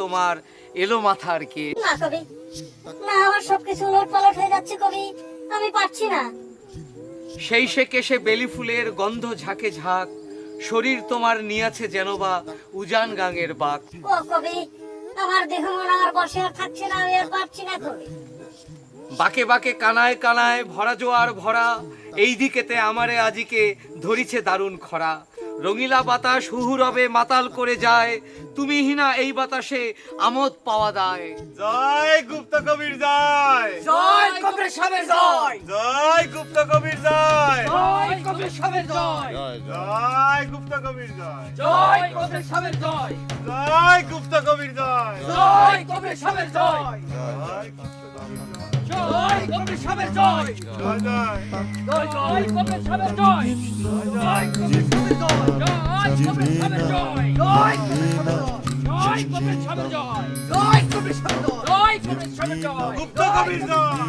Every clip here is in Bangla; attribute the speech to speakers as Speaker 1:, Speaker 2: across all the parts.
Speaker 1: তোমার এলো মাথার কে?
Speaker 2: না কবি, না, আমার সবকিছু উলটপালট হয়ে যাচ্ছে কবি, আমি পারছি না।
Speaker 1: সেই সে কেশে বেলি ফুলের গন্ধ ঝাঁকে ঝাঁক, শরীর তোমার নিয়াছে যেন বা উজান গাঙের বাক।
Speaker 2: ও কবি, আমার দেহ মন আর বসে আর থাকছে না, আমি আর পারছি না কবি।
Speaker 1: বাকে বাকে কানায় কানায় ভরা জোয়ার ভরা, এই দিকেতে আমারে আজিকে ধরিছে দারুণ খরা। রঙিলা বাতাস হুহু রবে মাতাল করে যায়, তুমি হিনা এই বাতাসে আমোদ পাওয়া দায়।
Speaker 3: জয় গুপ্ত কবির জয়,
Speaker 1: জয় কবির সাহেবের জয়,
Speaker 3: জয় গুপ্ত কবির জয়,
Speaker 1: জয় কবির সাহেবের জয়,
Speaker 3: জয় গুপ্ত কবির জয়,
Speaker 1: জয় কবির সাহেবের জয়,
Speaker 3: জয় গুপ্ত কবির জয়,
Speaker 1: জয় কবির সাহেবের জয়,
Speaker 3: জয়
Speaker 1: জয় কবির সাহেবের জয়,
Speaker 3: জয় জয়
Speaker 1: জয় কবির সাহেবের জয়, জয় কবির সাহেবের জয়, জয় কবির সাহেবের জয়, জয় কবির সাহেবের জয়, জয় কবির সাহেবের জয়, জয় কবির সাহেবের জয়,
Speaker 3: গুপ্ত কবির জয়।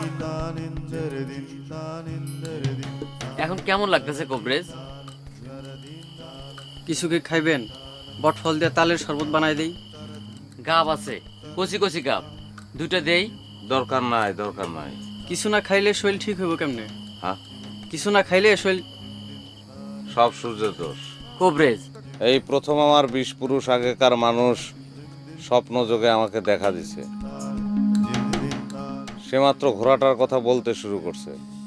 Speaker 4: এখন কেমন লাগতেছে কবরেজ?
Speaker 5: কিছু কি খাইবেন? বটফল দিয়ে তালের শরবত বানাই দেই।
Speaker 4: গাব আছে, কচি কচি গাব, দুটো দেই।
Speaker 6: দরকার নাই, দরকার নাই।
Speaker 5: কিছু না খাইলে শরীর ঠিক হইব কেমনে?
Speaker 6: হ্যাঁ,
Speaker 5: কিছু না খাইলে শরীর
Speaker 6: সব সূর্যের দোষ।
Speaker 4: কবরেজ,
Speaker 6: এই প্রথম আমার 20 পুরুষ আগেকার মানুষ স্বপ্ন যোগে আমাকে দেখা দিছে। সে মাত্র ঘোড়াটার কথা বলতে শুরু করছে,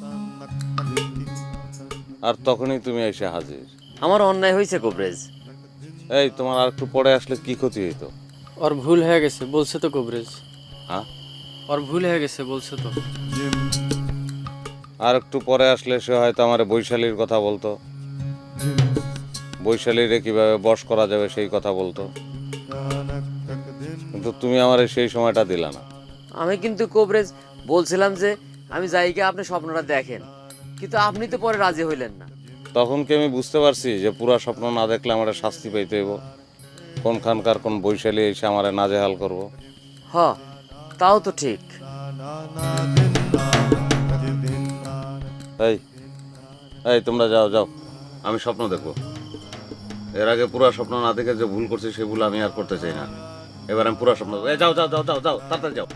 Speaker 6: আর তখনই তুমি এসে হাজির।
Speaker 4: আমার অন্যায় হয়েছে কবরেজ।
Speaker 6: এই, তোমার আর একটু পরে আসলে কি ক্ষতি হইতো?
Speaker 5: ওর ভুল হয়ে গেছে বলছে তো কবরেজ।
Speaker 6: হ্যাঁ,
Speaker 5: ওর ভুল হয়ে গেছে বলছে তো।
Speaker 6: আর একটু পরে আসলে সে হয়তো আমার বৈশালীর কথা বলতো, বৈশালীরে কিভাবে বশ করা যাবে সেই কথা বলতো। কিন্তু তুমি আমার সেই সময়টা দিলা না।
Speaker 4: আমি কিন্তু কবরেজ বলছিলাম যে আমি যাইকে আপনি স্বপ্নটা দেখেন, কিন্তু আপনি তো পরে রাজি হইলেন না।
Speaker 6: তখন কি আমি বুঝতে পারছি যে পুরা স্বপ্ন না দেখলে আমার শাস্তি পাইতে হইব? কোনখানকার কোন বৈশালী এসে আমার নাজেহাল করব?
Speaker 4: হ, তাও তো ঠিক।
Speaker 6: এই এই, তোমরা যাও যাও, আমি স্বপ্ন দেখবো। এর আগে পুরা স্বপ্ন না দেখে যে ভুল করছি সে ভুল আমি আর করতে চাই না। এবার আমি পুরা স্বপ্ন দেখবো। এই, যাও যাও যাও যাও যাও, তাড়াতাড়ি যাও।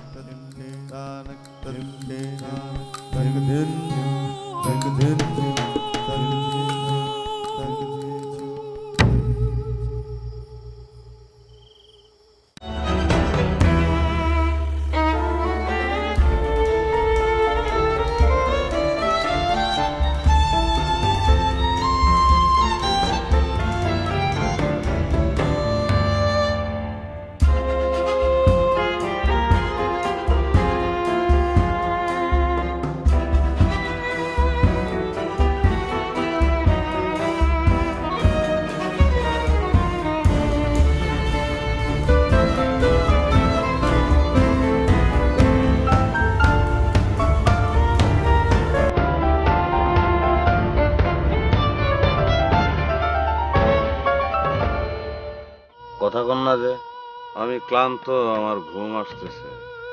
Speaker 6: কথা কন না যে, আমি ক্লান্ত, আমার ঘুম আসতেছে।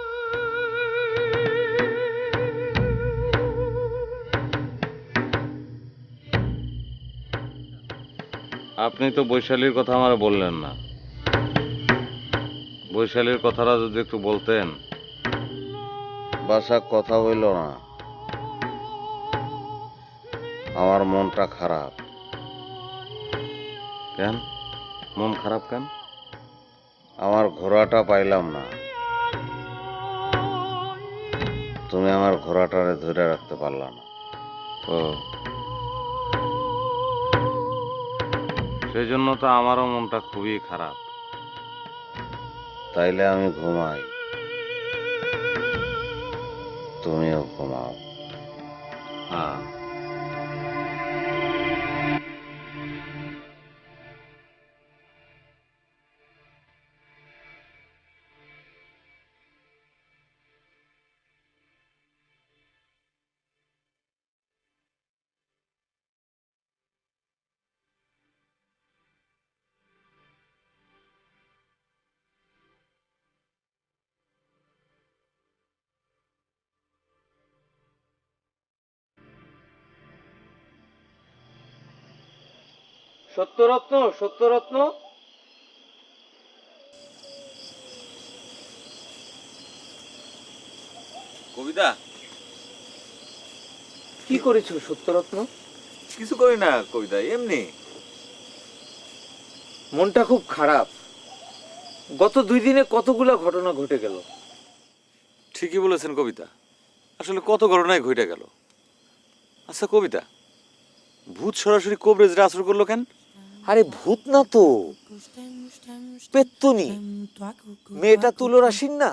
Speaker 6: আপনি তো বৈশালীর কথা আমার বললেন না। বৈশালীর কথাটা যদি একটু বলতেন। বাসা কথা হইল না, আমার মনটা খারাপ। কেন মন খারাপ কেন? আমার ঘোড়াটা পাইলাম না। তুমি আমার ঘোড়াটারে ধরে রাখতে পারলা না। ও, সেই জন্য তো আমারও মনটা খুবই খারাপ। তাইলে আমি ঘুমাই, তুমিও ঘুমাও। হ্যাঁ।
Speaker 1: সত্যরত্ন, সত্যরত্ন,
Speaker 6: কবিতা
Speaker 1: কি করেছো সত্যরত্ন?
Speaker 6: কিছু করি না কবিতা, এমনি।
Speaker 1: মনটা খুব খারাপ। গত 2 দিনে কতগুলো ঘটনা ঘটে গেল।
Speaker 6: ঠিকই বলেছেন কবিতা, আসলে কত ঘটনায় ঘটে গেল। আচ্ছা কবিতা, ভূত সরাসরি কবরেজরা আসর করলো কেন?
Speaker 1: আরে ভূত না তো, পেত্তুনি, মেয়েটা তুলোরাশিন না।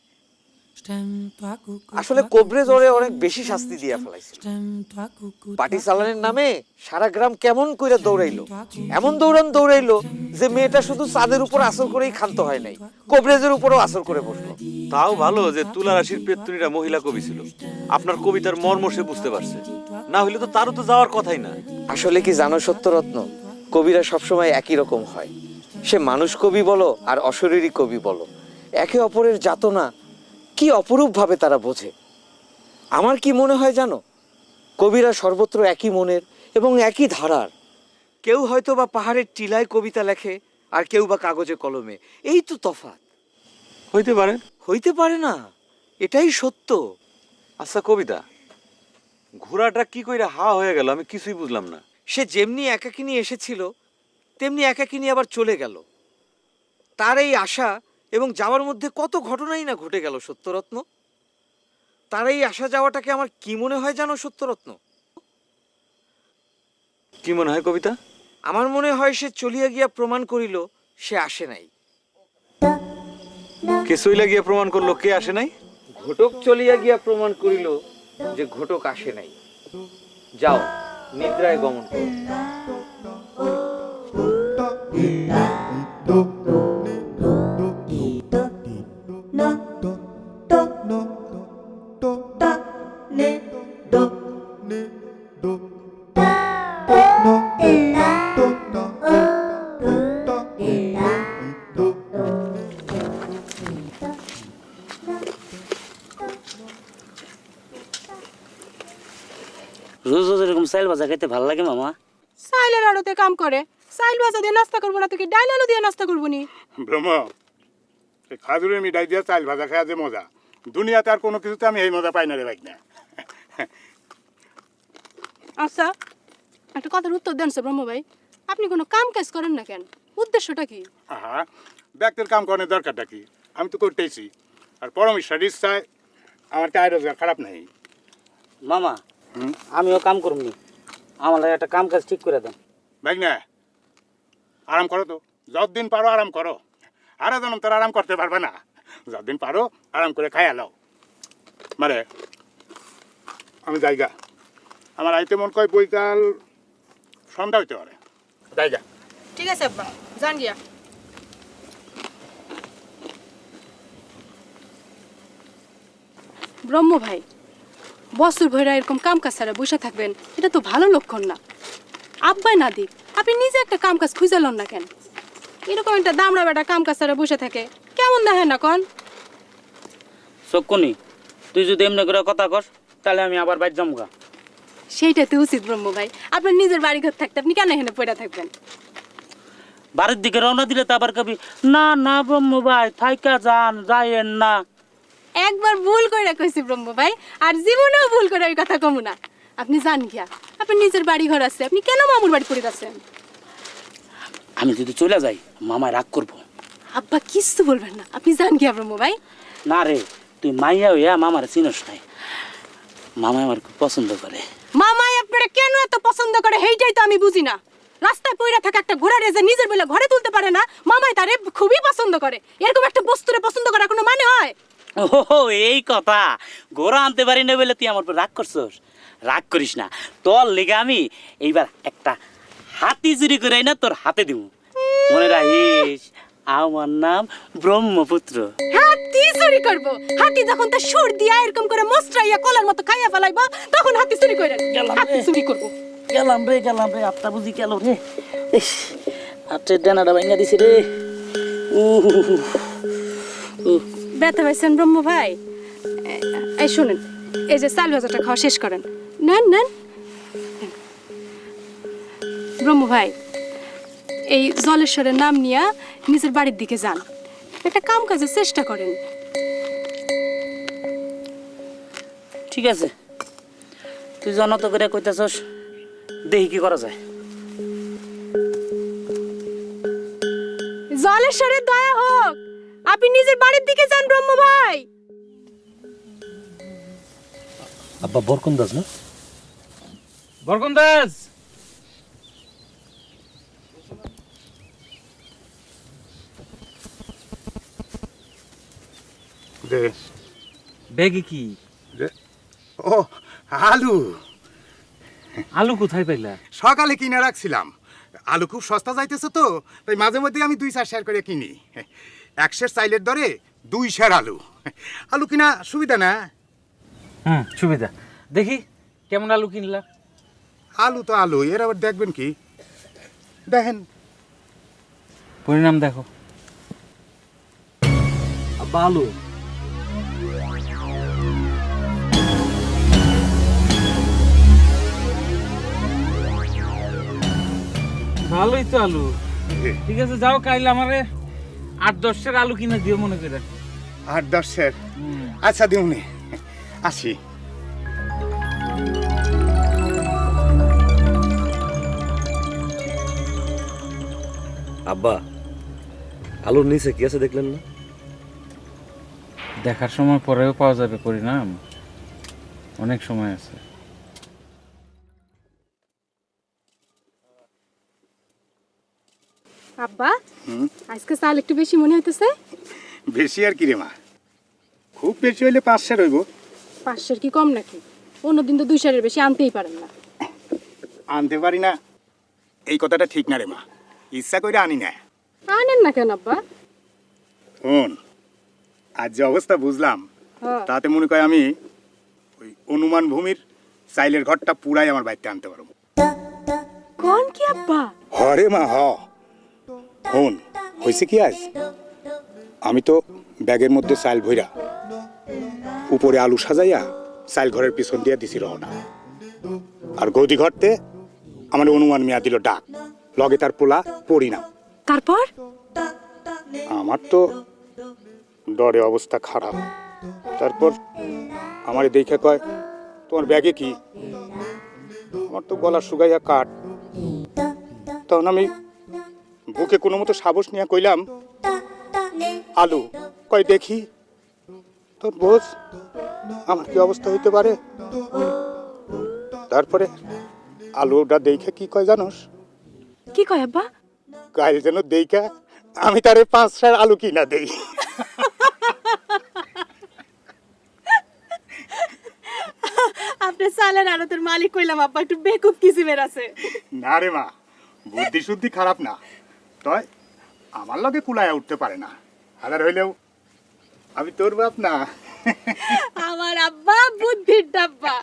Speaker 1: আসলে কবরেজ ওরে অনেক বেশি শাস্তি দিয়া ফেলাইছে। পাটি চালানের নামে সারা গ্রাম কেমন কইরা দৌড়াইলো, এমন দৌড়াইলো যে মেয়েটা শুধু চাঁদের উপর আসর করেই ক্ষান্ত হয় নাই, কবরেজের উপরও আসর করে বসলো।
Speaker 6: তাও ভালো যে তুলা রাশির পেত্তুনিরা মহিলা কবি ছিল। আপনার কবিতার মর্ম সে বুঝতে পারছে, না হইলে তো তারও তো যাওয়ার কথাই না।
Speaker 1: আসলে কি জানো সত্যরত্ন, কবিরা সবসময় একই রকম হয়। সে মানুষ কবি বলো আর অশরীরী কবি বলো, একে অপরের যাতনা কি অপরূপ ভাবে তারা বোঝে। আমার কি মনে হয় জানো, কবিরা সর্বত্র একই মনের এবং একই ধারার। কেউ হয়তো বা পাহাড়ের টিলায় কবিতা লেখে, আর কেউ বা কাগজে কলমে। এই তো তফাৎ।
Speaker 6: হইতে পারে।
Speaker 1: হইতে পারে না, এটাই সত্য।
Speaker 6: আচ্ছা কবিতা, ঘোড়াটা কি কইরা হা হয়ে গেল আমি কিছুই বুঝলাম না।
Speaker 1: সে যেমনি একাকিনী এসেছিল তেমনি একাকিনী আবার চলে গেল। তার এই আশা এবং যাওয়ার মধ্যে কত ঘটনাই না ঘটে গেল সত্যরত্ন। তার এই আসা যাওয়াটাকে আমার কি মনে হয় জানো সত্যরত্ন?
Speaker 6: কি মনে হয় কবিতা?
Speaker 1: আমার মনে হয় সে চলিয়া গিয়া প্রমাণ করিল সে আসে নাই।
Speaker 6: কে চইলা গিয়া প্রমাণ করলো কে আসে নাই?
Speaker 1: ঘটক চলিয়া গিয়া প্রমাণ করিল যে ঘটক আসে নাই। যাও নিদ্রায় গমন করো।
Speaker 7: রোজ রোজ এরকম চাইল ভাজা খাইতে ভালো লাগে মামা।
Speaker 8: চাইলের আড়তে কাম করে, চাইল ভাজা দিয়ে নাস্তা করবো না, তোকে ডাইল আলু দিয়ে নাস্তা করবো নি?
Speaker 3: ব্রহ্ম, এই খাজুরের মিঠাই দিয়ে চাল ভাজা খাওয়া যে মজা, দুনিয়াতে আর কোনো কিছুতে আমি এই মজা পাই না রে ভাই না।
Speaker 8: আচ্ছা, একটা কথার উত্তর দেন ব্রহ্ম ভাই, আপনি কোনো কাম কাজ করেন না কেন? উদ্দেশ্যটা কি?
Speaker 3: আহা, ব্যক্তির কাম করার দরকারটা কি? আমি তো করতেইছি, আর পরমেশ্বর ইচ্ছায় আমার টাই রোজগার খারাপ নাই।
Speaker 7: মামা আমিও কাম করবো, আমার লাগে একটা কাম কাজ ঠিক করে দেন।
Speaker 3: ভাই না, আরাম করো তো, যতদিন পারো আরাম করো। আরো জনম তোর আরাম করতে পারবে না, যতদিন পারো আরাম করে খাইয়া লাও। মানে আমি জায়গা আমার আইতে মন কয় বৈকাল সন্ধ্যা হইতে পারে, জায়গা।
Speaker 8: ঠিক আছে আব্বা, জান গিয়া। ব্রহ্ম ভাই, বছর ভরা এরকম কাম কাজ ছাড়া বসে থাকবেন, এটা তো ভালো লক্ষণ না। আব্বাই না দিক, আপনি নিজে একটা কাম কাজ খুঁজে লন না কেন? এরকম একটা দামড়া বেটা কাম কাজ ছাড়া বসে থাকে, কেমন দেখেন না কন?
Speaker 7: চক্ষুনি তুই যদি এমনি করে কথা কস তাহলে আমি আবার বাইর জমগা।
Speaker 8: সেইটা তো উচিত ব্রহ্ম ভাই, আপনার নিজের বাড়ি ঘর থাকতে আপনি কেন এখানে পড়ে থাকবেন?
Speaker 7: বাড়ির দিকে রওনা দিলে তো আবার কবি না না ব্রহ্ম ভাই থাইকা যান, যাইয়েন না।
Speaker 8: একবার ভুল করে কইছি ব্রহ্ম ভাই, আর জীবনেও ভুল করে ওই কথা কমু না। আপনি জান গিয়া, আপনার নিজের বাড়ি ঘর আছে, আপনি কেন মামুর বাড়ি পড়ে যাচ্ছেন?
Speaker 7: আমি যদি চলে যাই মামায় রাগ করবো।
Speaker 8: আব্বা কিচ্ছু বলবেন না, আপনি জান গিয়া ব্রহ্ম ভাই।
Speaker 7: না রে, তুই মাইয়া হইয়া মামার চিনস নাই, মামাই আমার খুব পছন্দ করে।
Speaker 8: মামাই আপনারা কেন এত পছন্দ করে সেইটাই তো আমি বুঝি না। রাস্তায় পইরা থাকা একটা ঘোড়া রেজে নিজের বেলা ঘরে তুলতে পারে না, মামাই তারে খুবই পছন্দ করে। এরকম একটা বস্তুরে পছন্দ করার কোনো মানে হয়?
Speaker 7: ও এই কথা, ঘোড়া আনতে পারি না বলে তুই আমার উপর রাগ করছস? রাগ করিস না, তোর লেগে আমি এইবার একটা হাতি চুরি করে না তোর হাতে দিব। মনে রাখিস আমার নাম ব্রহ্মপুত্র।
Speaker 8: হাতি চুরি করব? হাতি যখন তার সুর দিয়া এরকম করে মস্ত্রাইয়া কলার মতো খাইয়া ফেলাইব, তখন হাতি চুরি করেন? হাতি চুরি করব?
Speaker 7: গেলাম রে আটটা বুঝি গেল রে, আটের ডানাটা ভাঙা দিছি রে।
Speaker 8: ব্যথা পাইছেন ব্রহ্ম ভাই? এই শুনেন, এই যে চাল ভাজাটা খাওয়া শেষ করেন, নেন নেন। ব্রহ্ম ভাই, এই জলেশ্বরের নাম নিয়া নিজের বাড়ির দিকে যান, একটা কাম কাজের চেষ্টা করেন।
Speaker 7: ঠিক আছে, তুই জনত করে কইতাছস, দেখি কি করা যায়।
Speaker 8: জলেশ্বরের দয়া হোক, আপনি নিজের বাড়ির দিকে যান ব্রহ্ম ভাই।
Speaker 9: আব্বা বরকন্দাজ না?
Speaker 1: বরকন্দাজ,
Speaker 3: দে
Speaker 1: ব্যাগে কি?
Speaker 3: দে। ও আলু
Speaker 1: আলু কোথায় পাইলা?
Speaker 3: সকালে কিনে রাখছিলাম। আলু খুব সস্তা যাইতেছে তো, তাই মাঝে মধ্যে আমি 2-4 শেয়ার করে কিনি। 1 সের চাইলের দরে 2 শের আলু। আলু কিনা সুবিধা না?
Speaker 1: সুবিধা। দেখি কেমন আলু কিনলা?
Speaker 3: আলু তো আলু, এর আবার দেখবেন কি? দেখেন
Speaker 1: পরিণাম দেখো।
Speaker 9: আব্বা আলু
Speaker 1: ভালোই তো আলু। ঠিক আছে, যাও কাইলে আমারে 8-10 সের আলু কিনে দিও মনে করে।
Speaker 3: 8-10 শের? আচ্ছা দিউনি, আসি।
Speaker 9: আব্বা আলুর নিচে কি আছে দেখলেন না?
Speaker 1: দেখার সময় পরেও পাওয়া যাবে পরিণাম, অনেক সময় আছে।
Speaker 8: আব্বা, আজকে চাল একটু বেশি মনে হইতেছে।
Speaker 3: বেশি আর কি রে মা, খুব বেশি হইলে 5 শের হইব।
Speaker 8: 500 কি কম নাকি? অন্যদিন তো 200-এর বেশি আনতেই পারেন না।
Speaker 3: আনতে পারি না এই কথাটা ঠিক না রে মা, ইচ্ছা করে আনি না।
Speaker 8: আনেন না কেন আব্বা?
Speaker 3: শোন, আজ যে অবস্থা বুঝলাম,
Speaker 8: হ্যাঁ।
Speaker 3: তাতে মনে করি আমি ওই অনুমান ভূমির চাইলের ঘরটা পুরাই আমার বাড়িতে আনতে পারবো।
Speaker 8: কোন কি আব্বা?
Speaker 3: হরে মা হ। শোন, হয়েছে কি আজ, আমি তো ব্যাগের মধ্যে চাইল ভইরা উপরে আলু সাজাইয়া চাইল ঘরের পিছন দিয়া দিছি রওনা। আর গদি ঘরতে আমার অনুমান মিয়া দিল ডাক, লগে তার পোলা পরিণাম।
Speaker 8: তারপর?
Speaker 3: আমার তো ডরে অবস্থা খারাপ। তারপর আমার দেখে কয়, তোমার ব্যাগে কি? আমার তো গলা শুকাইয়া কাঠ। তখন আমি বুকে কোনো মতো সাহস নিয়ে কইলাম, আলু। কয় দেখি। তোর বোঝ আমার কি অবস্থা হইতে পারে। তারপরে আলুটা দেখে কি কয় জানোস?
Speaker 8: কি কয় আব্বা?
Speaker 3: কাল যেন দেখা আমি তারে 5 সের আলু কিনা দেই।
Speaker 8: আপনি চালের আড়তের মালিক কইলাম আব্বা, একটু বেকুব কিসিমের আছে।
Speaker 3: না রে মা, বুদ্ধি শুদ্ধি খারাপ না, তয় আমার লগে কুলায়া উঠতে পারে না। হাজার হইলেও আমি তোর বাপ না।
Speaker 8: আমার আব্বা বুদ্ধির ডাব্বা।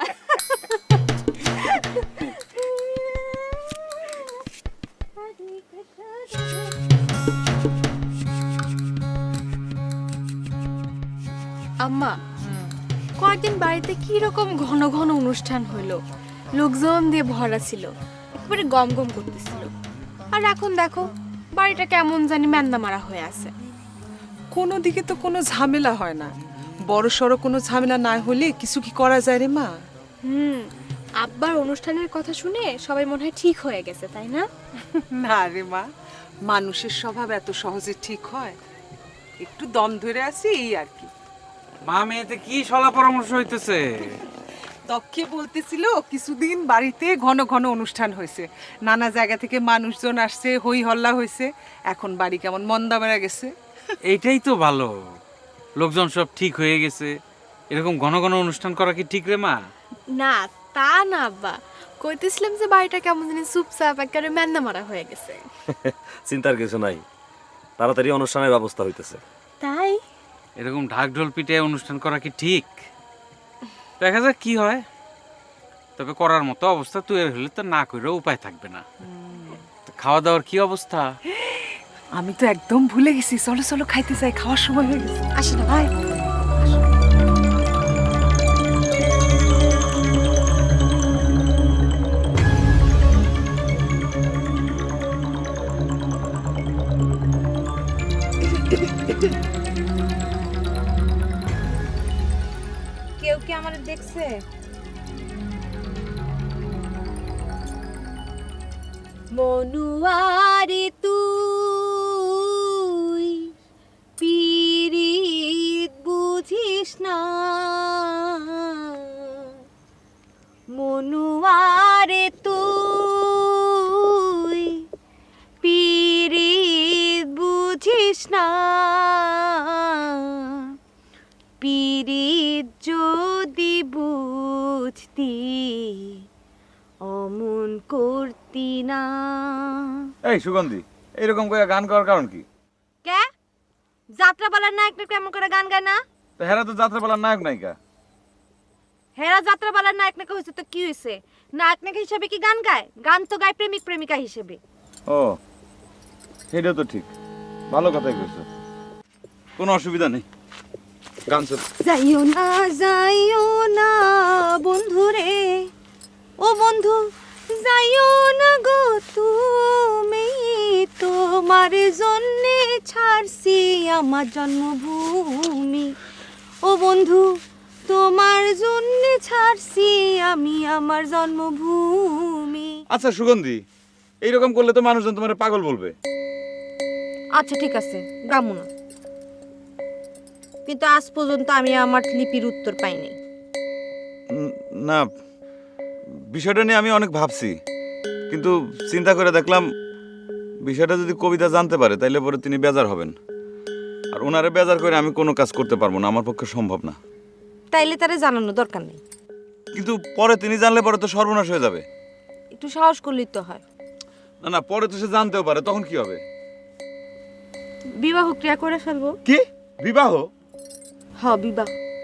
Speaker 10: আম্মা, কয়েকদিন বাড়িতে কি রকম ঘন ঘন অনুষ্ঠান হলো, লোকজন দিয়ে ভরা ছিল, একেবারে গম গম করতেছিল। আর এখন দেখো বাড়িটা কেমন জানি ম্যান্দা মারা হয়ে আছে।
Speaker 11: কোনো দিকে তো কোনো ঝামেলা হয় না, বড় সড়ো কোনো ঝামেলা না হলে কিছু কি করা যায় রে মা?
Speaker 10: আব্বার অনুষ্ঠানের কথা শুনে সবাই মনে হয় ঠিক হয়ে গেছে, তাই না?
Speaker 11: না রে মা, মানুষের স্বভাব এত সহজে ঠিক হয়? একটু দম ধরে আছি এই আর কি।
Speaker 1: মা মেয়েতে কি সলা পরামর্শ হইতেছে?
Speaker 11: তক্ষে বলতেছিল কিছুদিন বাড়িতে ঘন ঘন অনুষ্ঠান হয়েছে, নানা জায়গা থেকে মানুষজন আসছে, হই হল্লা হয়েছে, এখন বাড়ি কেমন মন্দা বেড়া গেছে।
Speaker 1: এইটাই তো ভালো, লোকজন সব ঠিক হয়ে গেছে। এরকম ঘন ঘন অনুষ্ঠান করা কি ঠিক রে মা?
Speaker 10: না তা না আব্বা, কইতেছিলাম যে বাড়িটা কেমন জানি চুপচাপ একেবারে ম্যান্দা মারা হয়ে গেছে।
Speaker 9: চিন্তার কিছু নাই, তাড়াতাড়ি অনুষ্ঠানের ব্যবস্থা হইতেছে।
Speaker 10: তাই
Speaker 1: এরকম ঢাক ঢোল পিটে অনুষ্ঠান করা কি ঠিক? দেখা যাক কি হয়। তবে করার মতো অবস্থা তুই হলে তো না করে উপায় থাকবে না। তো খাওয়া দাওয়ার কি অবস্থা?
Speaker 11: আমি তো একদম ভুলে গেছি, চলো চলো খাইতে যাই, খাওয়ার সময় হয়ে গেছে।
Speaker 10: আসি না ভাই।
Speaker 8: কেউ কি
Speaker 10: আমার দেখছে? মনুয়ারে তুই পিরিত বুঝিস না, মনুয়ারে তুই পিরিত বুঝিস না, পিরিত যদি বুঝতি অমন করতি না।
Speaker 12: এই সুগন্ধি, এইরকম করে গান করার কারণ কি?
Speaker 10: কে যাত্রাপালার নায়ক কেমন করে গান গায় না?
Speaker 12: তো হেরা তো যাত্রাপালার নায়ক নায়িকা।
Speaker 10: হেরা যাত্রাপালার নায়ক নায়িকা হয়েছে তো কি হয়েছে? নায়ক নায়িকা হিসেবে কি গান গায়? গান তো গায় প্রেমিক প্রেমিকা হিসেবে।
Speaker 12: ও সেটা তো ঠিক, ভালো কথাই কইছো, কোনো অসুবিধা নেই, গান চল।
Speaker 10: যাইও না বন্ধু রে, ও বন্ধু যাইও না গো তুমি, তোমার জন্যে ছাড়ছি আমার জন্মভূমি, ও বন্ধু তোমার জন্যে ছাড়ছি আমি আমার জন্মভূমি।
Speaker 12: আচ্ছা সুগন্ধি, এইরকম করলে তো মানুষজন তোমার পাগল বলবে।
Speaker 10: আচ্ছা ঠিক আছে, গামু না, কিন্তু আজ পর্যন্ত আমি আমার লিপির উত্তর পাইনি।
Speaker 12: না, বিষয়টা নিয়ে আমি অনেক ভাবছি, কিন্তু চিন্তা করে দেখলাম বিষয়টা যদি কবিতা জানতে পারে তাইলে পরে তিনি বেজার হবেন, আর ওনারে বেজার করে আমি কোনো কাজ করতে পারবো না, আমার পক্ষে সম্ভব না।
Speaker 10: তাইলে তারে জানানো দরকার নেই।
Speaker 12: কিন্তু পরে তিনি জানলে পরে তো সর্বনাশ হয়ে যাবে।
Speaker 10: একটু সাহস করলেই তো হয়।
Speaker 12: না না, পরে তো সে জানতেও পারে, তখন কি হবে?
Speaker 10: বিবাহ ক্রিয়া করে ফেলবো।
Speaker 12: কি বিবাহ?
Speaker 10: হ্যাঁ বিবাহ।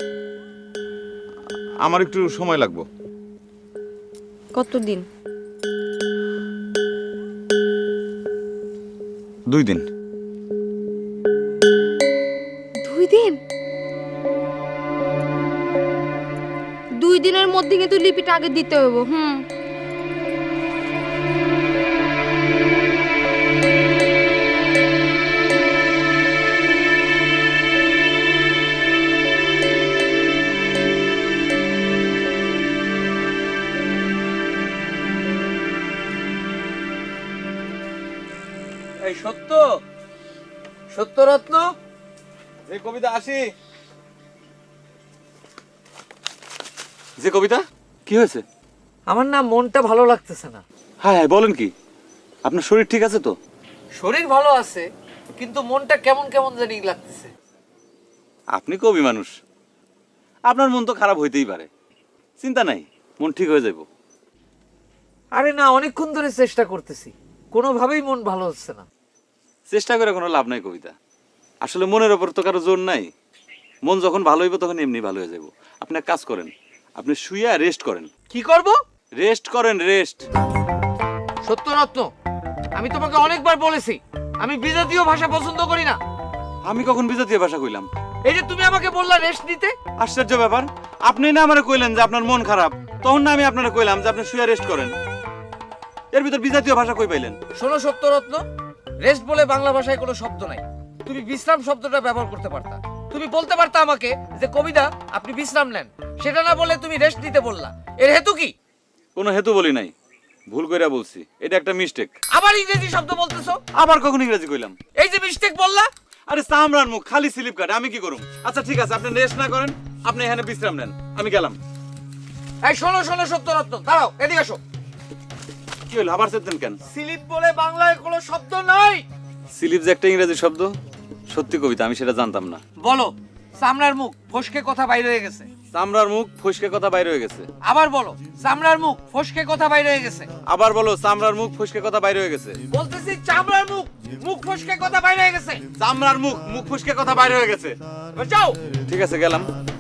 Speaker 12: আমার একটু সময় লাগবে।
Speaker 10: কতদিন?
Speaker 12: 2 দিন।
Speaker 10: 2 দিন? 2 দিনের মধ্যে কিন্তু লিপিটা আগে দিতে হবে।
Speaker 1: এই সত্যরত্ন,
Speaker 12: যে কবিতা আসি, যে কবিতা কি হয়েছে?
Speaker 4: আমার না মনটা ভালো লাগতেছে না।
Speaker 12: হ্যাঁ হ্যাঁ, বলেন কি? আপনার শরীর ঠিক আছে তো?
Speaker 4: শরীর ভালো আছে, কিন্তু মনটা কেমন কেমন জানি লাগতেছে।
Speaker 12: আপনি কবি মানুষ, আপনার মন তো খারাপ হইতেই পারে, চিন্তা নাই, মন ঠিক হয়ে যাইব।
Speaker 4: আরে না, অনেকক্ষণ ধরে চেষ্টা করতেছি, কোনোভাবেই মন ভালো হচ্ছে না।
Speaker 12: চেষ্টা করে কোনো লাভ নাই কবিতা, আসলে মনের ওপর তো কারো জোর নাই, মন যখন ভালো হইব তখন এমনি ভালো হয়ে যাব। আপনি এক কাজ করেন, আপনি শুইয়া রেস্ট করেন।
Speaker 4: কি করব?
Speaker 12: রেস্ট করেন, রেস্ট।
Speaker 4: সত্যরত্ন, আমি তোমাকে অনেকবার বলেছি আমি বিজাতীয় ভাষা পছন্দ করি না।
Speaker 12: আমি কখন বিজাতীয় ভাষা কইলাম?
Speaker 4: এই যে তুমি আমাকে বললা রেস্ট নিতে।
Speaker 12: আশ্চর্য ব্যাপার, আপনি না আমারে কইলেন যে আপনার মন খারাপ, তখন না আমি আপনারে কইলাম যে আপনি শুয়ে রেস্ট করেন। এর ভিতর বিজাতীয় ভাষা কই পাইলেন?
Speaker 4: শোনো সত্যরত্ন, রেস্ট বলে বাংলা ভাষায় কোনো শব্দ নাই, তুমি বিশ্রাম শব্দটা ব্যবহার করতে পারতা। তুমি বলতে পারতা আমাকে যে কবিতা আপনি বিশ্রাম নেন, সেটা না বলে তুমি রেস্ট নিতে বললা, এর হেতু কি?
Speaker 12: কোনো হেতু বলি নাই, ভুল কইরা বলছি, এটা একটা মিস্টেক।
Speaker 4: আবার ইংরেজি শব্দ বলতেছো?
Speaker 12: আবার কখন ইংরেজি কইলাম?
Speaker 4: এই যে মিস্টেক বললা।
Speaker 12: আরে চামড়ার মুখ, খালি স্লিপ কাটে, আমি কি করুম? আচ্ছা ঠিক আছে, আপনি রেস্ট না করেন, আপনি এখানে বিশ্রাম নেন, আমি গেলাম।
Speaker 4: এই শোনো সত্যরত্ন, দাঁড়াও, এদিকে আসো।
Speaker 12: কি হলো, আবার চেতেন কেন?
Speaker 4: স্লিপ বলে বাংলায় কোনো শব্দ নাই।
Speaker 12: স্লিপ যে একটা ইংরেজি শব্দ, সত্যি কবিতা, আমি সেটা জানতাম না।
Speaker 4: বলো, চামড়ার মুখ ফসকে কথা বাইরে হয়ে গেছে।
Speaker 12: চামড়ার মুখ ফসকে কথা বাইরে হয়ে গেছে।
Speaker 4: আবার বলো, চামড়ার মুখ ফসকে কথা বাইরে হয়ে গেছে।
Speaker 12: আবার বলো, চামড়ার মুখ ফসকে কথা বাইরে হয়ে গেছে।
Speaker 4: বলতেছি চামড়ার মুখ মুখ ফসকে কথা বাইরে হয়ে গেছে।
Speaker 12: চামড়ার মুখ মুখ ফসকে কথা বাইরে হয়ে গেছে।
Speaker 4: যাও।
Speaker 12: ঠিক আছে, গেলাম।